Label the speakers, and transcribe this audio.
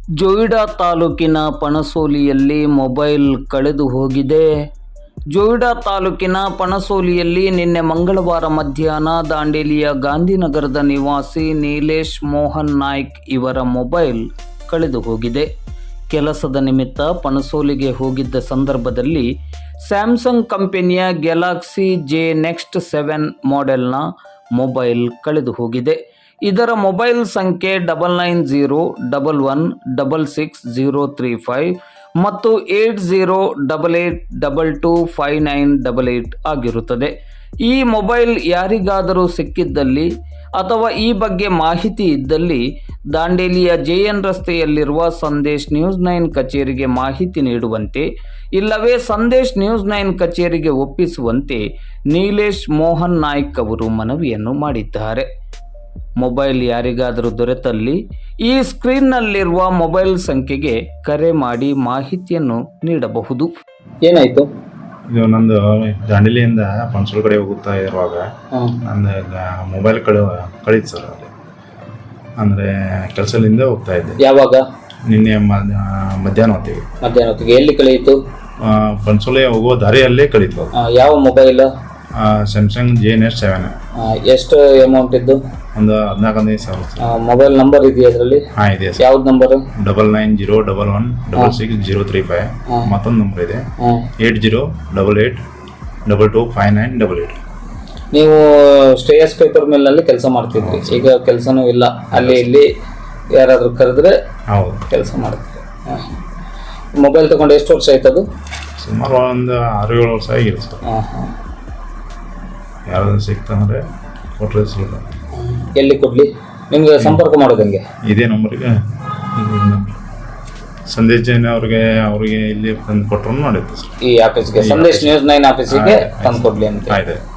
Speaker 1: ಜೊಯಿಡಾ ತಾಲೂಕಿನ ಪಣಸೋಲಿಯಲ್ಲಿ ಮೊಬೈಲ್ ಕಳೆದು ಹೋಗಿದೆ. ಜೊಯಿಡಾ ತಾಲೂಕಿನ ಪಣಸೋಲಿಯಲ್ಲಿ ನಿನ್ನೆ ಮಂಗಳವಾರ ಮಧ್ಯಾಹ್ನ ದಾಂಡೇಲಿಯ ಗಾಂಧಿನಗರದ ನಿವಾಸಿ ನೀಲೇಶ್ ಮೋಹನ್ ನಾಯ್ಕ್ ಇವರ ಮೊಬೈಲ್ ಕಳೆದು ಹೋಗಿದೆ. ಕೆಲಸದ ನಿಮಿತ್ತ ಪಣಸೋಲಿಗೆ ಹೋಗಿದ್ದ ಸಂದರ್ಭದಲ್ಲಿ ಸ್ಯಾಮ್ಸಂಗ್ ಕಂಪನಿಯ ಗ್ಯಾಲಕ್ಸಿ ಜೆ ನೆಕ್ಸ್ಟ್ 7 ಮಾಡೆಲ್ನ ಮೊಬೈಲ್ ಕಳೆದು ಹೋಗಿದೆ. ಇದರ ಮೊಬೈಲ್ ಸಂಖ್ಯೆ 9901166035 ಮತ್ತು 8088225988 ಆಗಿರುತ್ತದೆ. ಈ ಮೊಬೈಲ್ ಯಾರಿಗಾದರೂ ಸಿಕ್ಕಿದ್ದಲ್ಲಿ ಅಥವಾ ಈ ಬಗ್ಗೆ ಮಾಹಿತಿ ಇದ್ದಲ್ಲಿ ದಾಂಡೇಲಿಯ JN ರಸ್ತೆಯಲ್ಲಿರುವ ಸಂದೇಶ್ ನ್ಯೂಸ್ 9 ಕಚೇರಿಗೆ ಮಾಹಿತಿ ನೀಡುವಂತೆ, ಇಲ್ಲವೇ ಸಂದೇಶ್ ನ್ಯೂಸ್ 9 ಕಚೇರಿಗೆ ಒಪ್ಪಿಸುವಂತೆ ನೀಲೇಶ್ ಮೋಹನ್ ನಾಯ್ಕ್ ಅವರು ಮನವಿಯನ್ನು ಮಾಡಿದ್ದಾರೆ. ಮೊಬೈಲ್ ಯಾರಿಗಾದರೂ ದೊರೆತಲ್ಲಿ ಈ ಸ್ಕ್ರೀನ್ನಲ್ಲಿರುವ ಮೊಬೈಲ್ ಸಂಖ್ಯೆಗೆ ಕರೆ ಮಾಡಿ ಮಾಹಿತಿಯನ್ನು ನೀಡಬಹುದು. ಏನಾಯಿತು?
Speaker 2: ಇದು ನಂದು ದಾಂಡೇಲಿಯಿಂದ ಪಣಸೋಲ್ ಕಡೆ ಹೋಗುತ್ತಾ ಇರುವಾಗ ನಂದು ಮೊಬೈಲ್ ಕಳೀತು ಸರ್. ಅಲ್ಲಿ ಅಂದರೆ ಕೆಲಸದಿಂದ ಹೋಗ್ತಾ ಇದ್ದೆ.
Speaker 1: ಯಾವಾಗ?
Speaker 2: ನಿನ್ನೆ ಮಧ್ಯಾಹ್ನ ಹೊತ್ತಿಗೆ.
Speaker 1: ಎಲ್ಲಿ ಕಳೆಯಿತು?
Speaker 2: ಪಣಸೋಲೆ ಹೋಗುವ ದಾರಿಯಲ್ಲೇ ಕಳೀತು.
Speaker 1: ಯಾವ ಮೊಬೈಲ್?
Speaker 2: Samsung J next 7.
Speaker 1: ಎಷ್ಟು ಅಮೌಂಟ್ ಇದ್ದು?
Speaker 2: ಒಂದು 14,000.
Speaker 1: ಮೊಬೈಲ್ ನಂಬರ್ ಇದೆಯಾ ಅದರಲ್ಲಿ?
Speaker 2: ಹಾಂ ಇದೆ ಸರ್.
Speaker 1: ಯಾವ್ದು ನಂಬರ್?
Speaker 2: 9901166035. ಮತ್ತೊಂದು ನಂಬರ್ ಇದೆ 8088225988.
Speaker 1: ನೀವು ಶ್ರೇಯಸ್ ಪೇಪರ್ ಮಿಲ್ನಲ್ಲಿ ಕೆಲಸ ಮಾಡ್ತಿದ್ರಿ, ಈಗ ಕೆಲಸನೂ ಇಲ್ಲ, ಅಲ್ಲಿ ಇಲ್ಲಿ ಯಾರಾದರೂ ಕರೆದ್ರೆ
Speaker 2: ಹೌದು
Speaker 1: ಕೆಲಸ ಮಾಡ್ತೀರಿ. ಮೊಬೈಲ್ ತಗೊಂಡು ಎಷ್ಟು ವರ್ಷ ಆಯ್ತದು?
Speaker 2: ಸುಮಾರು ಒಂದು 6-7 ವರ್ಷ ಆಗಿದೆ ಸರ್. ಯಾರಾದ್ರೂ ಸಿಕ್ತಂದ್ರೆ ಕೊಟ್ಟರೆ ಸ್ವಲ್ಪ.
Speaker 1: ಎಲ್ಲಿ ಕೊಡ್ಲಿ? ನಿಮ್ಗೆ ಸಂಪರ್ಕ ಮಾಡೋದಂಗೆ?
Speaker 2: ಇದೇ ನಂಬರಿಗೆ ಸಂದೇಶ್ ಜೈನ್ ಅವ್ರಿಗೆ ಇಲ್ಲಿ ತಂದು ಕೊಟ್ಟರು ಮಾಡಿತ್ತು ಸರ್.
Speaker 1: ಈ ಆಫೀಸ್ಗೆ, ಸಂದೇಶ್ ನ್ಯೂಸ್ 9 ಆಫೀಸಿಗೆ ತಂದು ಕೊಡ್ಲಿ ಅಂತ.
Speaker 2: ಆಯ್ತು.